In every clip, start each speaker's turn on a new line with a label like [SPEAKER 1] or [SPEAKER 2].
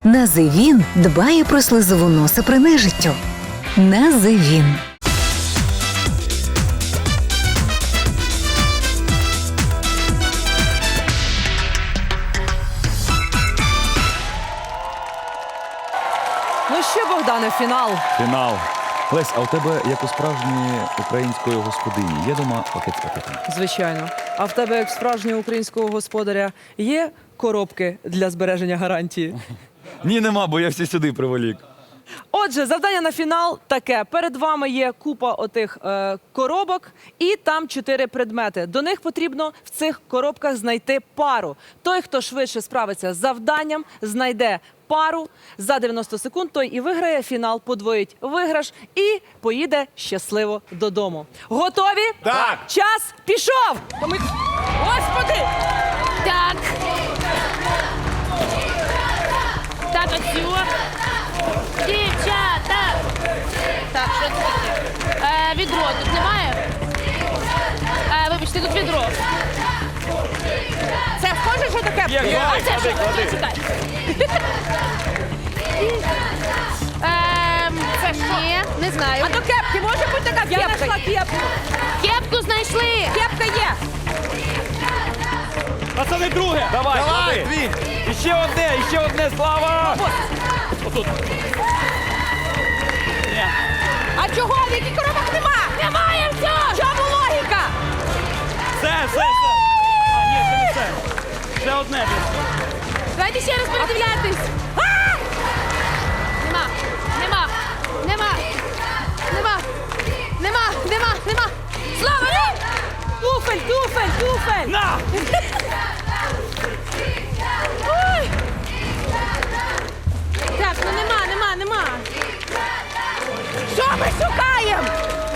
[SPEAKER 1] Називін дбає про слизову носа при нежиттю. Називін.
[SPEAKER 2] Ну що, Богдане, фінал.
[SPEAKER 3] Фінал. Лесь, а у тебе, як у справжньої української господині, є дома пакет з пакетами?
[SPEAKER 2] Звичайно. А в тебе, як справжнього українського господаря, є коробки для збереження гарантії?
[SPEAKER 3] Ні, нема, бо я всі сюди приволік.
[SPEAKER 2] Отже, завдання на фінал таке. Перед вами є купа отих коробок, і там 4 предмети. До них потрібно в цих коробках знайти пару. Той, хто швидше справиться з завданням, знайде пару за 90 секунд, той і виграє фінал, подвоїть виграш і поїде щасливо додому. Готові?
[SPEAKER 4] Так.
[SPEAKER 2] Час пішов! Господи!
[SPEAKER 5] Так. Так, оцю. Дівчата. Так, що це таке? Відро тут немає? Вибачте, тут відро.
[SPEAKER 2] Це схоже, що таке?
[SPEAKER 5] А це що? Чекай. Це що? Ні, не знаю.
[SPEAKER 2] А до кепки може бути така кепка? Я знайшла кепку.
[SPEAKER 5] Кепку знайшли.
[SPEAKER 2] Кепка є.
[SPEAKER 4] Пацани, друге!
[SPEAKER 3] Давай,
[SPEAKER 4] Давай,
[SPEAKER 3] клади.
[SPEAKER 4] дві!
[SPEAKER 3] Іще одне, Слава!
[SPEAKER 4] Отут.
[SPEAKER 2] А чого? В яких коробок нема?
[SPEAKER 5] Немає всього.
[SPEAKER 2] В чому логіка?
[SPEAKER 4] Все! А, ні, це не все. Ще одне.
[SPEAKER 5] Давайте ще раз передивлятись. Нема. Слава!
[SPEAKER 2] Туфель!
[SPEAKER 4] На!
[SPEAKER 5] Ой! Так, ну нема.
[SPEAKER 2] Що ми шукаємо?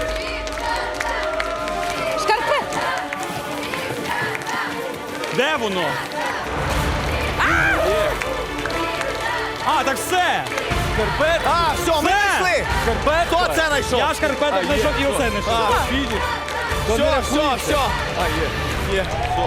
[SPEAKER 2] Шкарпет!
[SPEAKER 4] Де воно? А, так все! Шкарпет?
[SPEAKER 6] А, все, ми знайшли!
[SPEAKER 4] Шкарпет?
[SPEAKER 6] Хто це знайшов?
[SPEAKER 4] Я шкарпеток знайшов і оце знайшов.
[SPEAKER 6] Все.
[SPEAKER 4] Є.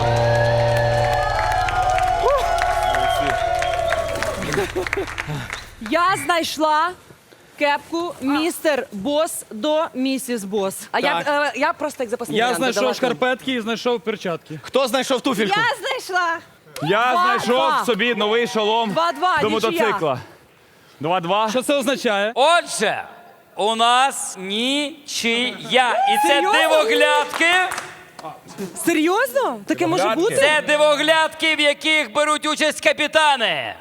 [SPEAKER 2] Я знайшла кепку містер Бос до місіс Бос. А я просто як запасний
[SPEAKER 4] Я
[SPEAKER 2] варіант додала.
[SPEAKER 4] знайшов шкарпетки і знайшов перчатки.
[SPEAKER 6] Хто знайшов туфельку?
[SPEAKER 2] Я знайшла.
[SPEAKER 3] Я
[SPEAKER 2] Два.
[SPEAKER 3] знайшов собі новий шолом
[SPEAKER 2] 2-2,
[SPEAKER 3] до
[SPEAKER 2] нічия.
[SPEAKER 3] мотоцикла. 2-2.
[SPEAKER 4] Що це означає?
[SPEAKER 7] Отже, у нас нічия. І це
[SPEAKER 2] Серйозно?
[SPEAKER 7] дивоглядки.
[SPEAKER 2] Серйозно? Таке може бути?
[SPEAKER 7] Це дивоглядки, в яких беруть участь капітани.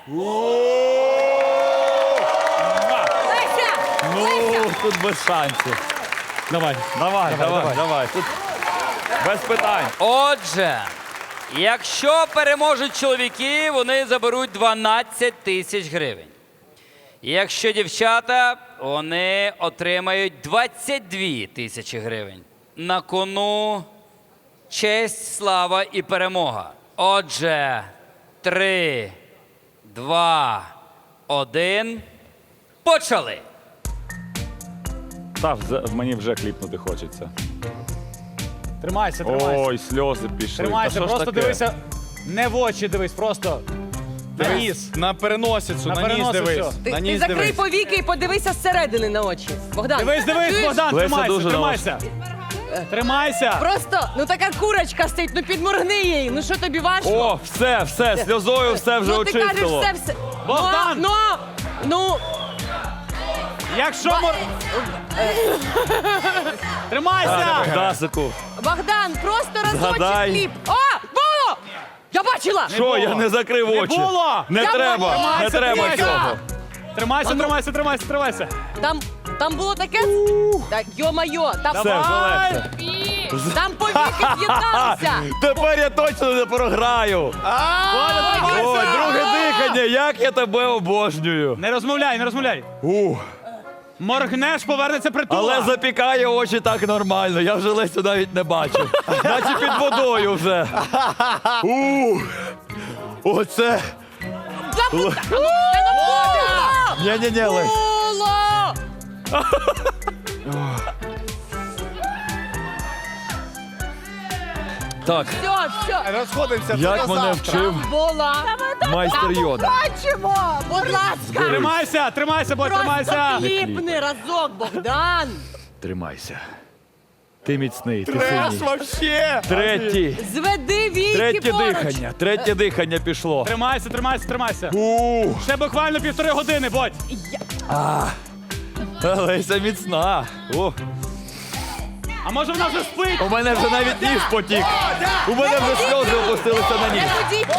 [SPEAKER 3] Ну, тут без шансів.
[SPEAKER 4] Давай.
[SPEAKER 3] Давай. Тут без питань.
[SPEAKER 7] Отже, якщо переможуть чоловіки, вони заберуть 12 тисяч гривень. Якщо дівчата, вони отримають 22 тисячі гривень. На кону честь, слава і перемога. Отже, 3, 2, 1. Почали!
[SPEAKER 3] Мені вже кліпнути хочеться.
[SPEAKER 4] Тримайся.
[SPEAKER 3] Ой, сльози пішли.
[SPEAKER 4] Тримайся,
[SPEAKER 3] Та що ж
[SPEAKER 4] просто
[SPEAKER 3] таке?
[SPEAKER 4] дивися. Не в очі дивись, просто на ніс.
[SPEAKER 6] На переносицю,
[SPEAKER 4] На
[SPEAKER 6] на ніс
[SPEAKER 4] переносицю.
[SPEAKER 6] дивись.
[SPEAKER 2] Ти
[SPEAKER 6] На ніс
[SPEAKER 2] закрий
[SPEAKER 6] дивись.
[SPEAKER 2] повіки і подивися зсередини на очі. Богдан.
[SPEAKER 4] Дивись, Богдан,
[SPEAKER 3] Леся дуже
[SPEAKER 4] тримайся. Тримайся.
[SPEAKER 2] Просто, така курочка стоїть, підморгни їй. Ну що тобі важко?
[SPEAKER 3] О, все, сльозою все вже
[SPEAKER 2] Ну ти кажеш
[SPEAKER 3] очистило.
[SPEAKER 2] все.
[SPEAKER 4] Богдан!
[SPEAKER 2] Ну,
[SPEAKER 4] Якщо Тримайся!
[SPEAKER 3] Богдасику.
[SPEAKER 2] Богдан, просто разочек
[SPEAKER 3] Згадай.
[SPEAKER 2] кліп. О, було! Я бачила!
[SPEAKER 3] Що,
[SPEAKER 4] було.
[SPEAKER 3] я не закрив
[SPEAKER 4] Не
[SPEAKER 3] очі?
[SPEAKER 4] було.
[SPEAKER 3] Не
[SPEAKER 2] Я
[SPEAKER 3] треба,
[SPEAKER 2] бачила.
[SPEAKER 3] не треба
[SPEAKER 4] Тримайся.
[SPEAKER 3] цього.
[SPEAKER 4] Тримайся.
[SPEAKER 2] Там було таке... Так, йо-майо, там...
[SPEAKER 3] Все, вже легше.
[SPEAKER 2] Там повіки з'єдналися.
[SPEAKER 3] Тепер я точно не програю. Ой, друге дихання, як я тебе обожнюю.
[SPEAKER 4] Не розмовляй.
[SPEAKER 3] Ух.
[SPEAKER 4] Моргнеш, повернеться притула.
[SPEAKER 3] Але запікає очі так нормально, я вже Лесю навіть не бачу. Наче під водою вже. Оце. Ні, Лесь.
[SPEAKER 2] Було!
[SPEAKER 3] Так,
[SPEAKER 5] Все.
[SPEAKER 6] Розходимося.
[SPEAKER 3] як
[SPEAKER 6] до
[SPEAKER 3] мене
[SPEAKER 6] завтра.
[SPEAKER 3] вчив майстер Йода.
[SPEAKER 8] Бачимо! Будь ласка!
[SPEAKER 4] Тримайся, тримайся, бой, тримайся.
[SPEAKER 8] Просто кліпни разок, Богдан!
[SPEAKER 3] Тримайся. Ти міцний, ти
[SPEAKER 6] Трес
[SPEAKER 3] сильний.
[SPEAKER 6] вообще.
[SPEAKER 3] Третій.
[SPEAKER 8] Зведи війки
[SPEAKER 3] Третє
[SPEAKER 8] поруч!
[SPEAKER 3] дихання. Третє дихання пішло.
[SPEAKER 4] Тримайся, тримайся, тримайся.
[SPEAKER 3] Ух,
[SPEAKER 4] Ще буквально 1,5 години, будь.
[SPEAKER 3] Леся міцна. О,
[SPEAKER 4] А може вона вже спить?
[SPEAKER 3] у мене вже навіть ніж потік. У мене вже сльози опустилися на ніж.
[SPEAKER 8] Не ходіть!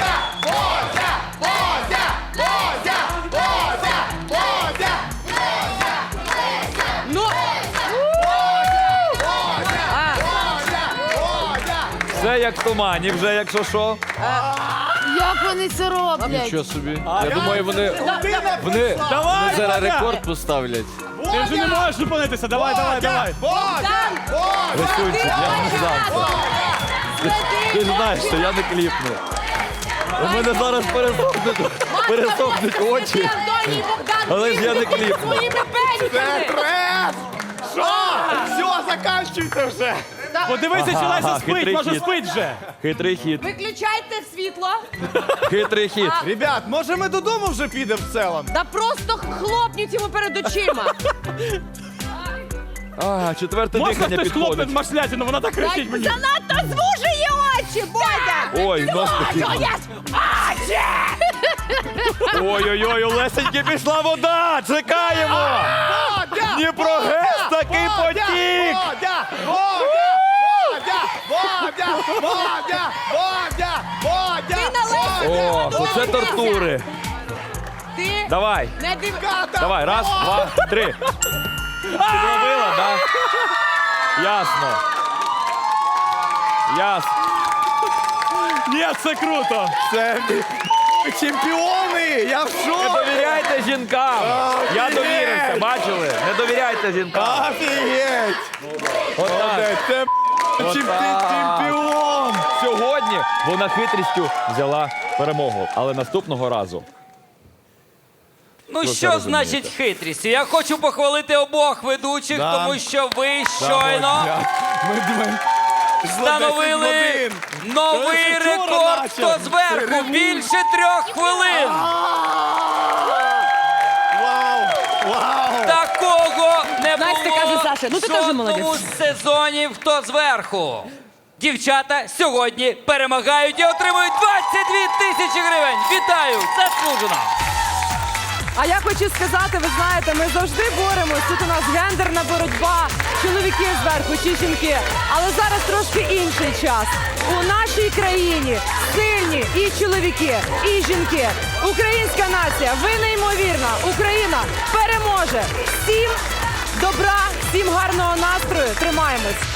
[SPEAKER 8] Ну!
[SPEAKER 3] Все як в тумані вже, якщо що.
[SPEAKER 5] Як вони це роблять?
[SPEAKER 9] Нічого собі. Я думаю, вони
[SPEAKER 4] Давай,
[SPEAKER 9] зараз
[SPEAKER 4] Бодя.
[SPEAKER 9] рекорд поставлять.
[SPEAKER 4] Ти вже не можеш зупинитися. Давай, давай, давай.
[SPEAKER 3] Рисунчик, я не знав. Ти ж знаєш, що я не кліпну. У мене зараз пересохнуть очі.
[SPEAKER 8] Антоній Богдан!
[SPEAKER 3] Але ж я не кліпну.
[SPEAKER 8] Своїми пеньками!
[SPEAKER 6] Трес! Що? Все, заканчуйте вже.
[SPEAKER 4] Подивися, чи Леся спить,
[SPEAKER 3] хитрий
[SPEAKER 4] може
[SPEAKER 3] хід.
[SPEAKER 4] спить вже.
[SPEAKER 3] Хитрий хід.
[SPEAKER 8] Виключайте світло!
[SPEAKER 3] Хитрий хід.
[SPEAKER 6] Ребят, може ми додому вже підемо в цілому?
[SPEAKER 8] Да просто хлопніть йому перед очима!
[SPEAKER 3] А, четверте
[SPEAKER 4] Можна
[SPEAKER 3] дихання
[SPEAKER 4] хтось хлопне
[SPEAKER 3] підходить.
[SPEAKER 4] машлятину, вона так кричить мені.
[SPEAKER 8] Занадто звужує очі, Бодя!
[SPEAKER 3] Ой, нос такий. Ой-ой-ой, у Лесеньки пішла вода! Чекаємо! Дніпрогес такий потік!
[SPEAKER 6] Бодя! Бодя! Бодя! Бодя! Бодя!
[SPEAKER 8] Ти на Лесю
[SPEAKER 3] О, то це тортури.
[SPEAKER 8] Ти
[SPEAKER 3] Давай,
[SPEAKER 8] не див...
[SPEAKER 3] давай, раз, два, три. Підловила, да? Ясно. Ясно.
[SPEAKER 4] Ні, це круто.
[SPEAKER 6] Це чемпіони! Я в
[SPEAKER 3] Не
[SPEAKER 6] шокі!
[SPEAKER 3] довіряйте жінкам. Я довірився, бачили? Не довіряйте жінкам.
[SPEAKER 6] Офігеть!
[SPEAKER 3] Отак.
[SPEAKER 6] Це чемпіон!
[SPEAKER 3] Сьогодні вона хитрістю взяла перемогу, але наступного разу.
[SPEAKER 7] Ну
[SPEAKER 3] Ви це
[SPEAKER 7] що
[SPEAKER 3] розумієте.
[SPEAKER 7] значить хитрістю? Я хочу похвалити обох ведучих,
[SPEAKER 6] Да.
[SPEAKER 7] тому що ви щойно
[SPEAKER 6] Ми
[SPEAKER 7] встановили новий
[SPEAKER 6] Це вчора
[SPEAKER 7] рекорд.
[SPEAKER 6] начав.
[SPEAKER 7] Хто зверху? Більше 3 хвилин.
[SPEAKER 6] Вау! Вау!
[SPEAKER 7] Такого не
[SPEAKER 8] Настя
[SPEAKER 7] було
[SPEAKER 8] каже, Саша, ну ти
[SPEAKER 7] в
[SPEAKER 8] теж
[SPEAKER 7] жодному
[SPEAKER 8] молодець.
[SPEAKER 7] сезоні «Хто зверху». Дівчата сьогодні перемагають і отримують 22 тисячі гривень. Вітаю! Заслужено!
[SPEAKER 2] А я хочу сказати, ви знаєте, ми завжди боремось. Тут у нас гендерна боротьба, чоловіки зверху чи жінки. Але зараз трошки інший час. У нашій країні сильні і чоловіки, і жінки. Українська нація, ви неймовірна. Україна переможе. Всім добра, всім гарного настрою. Тримаємось.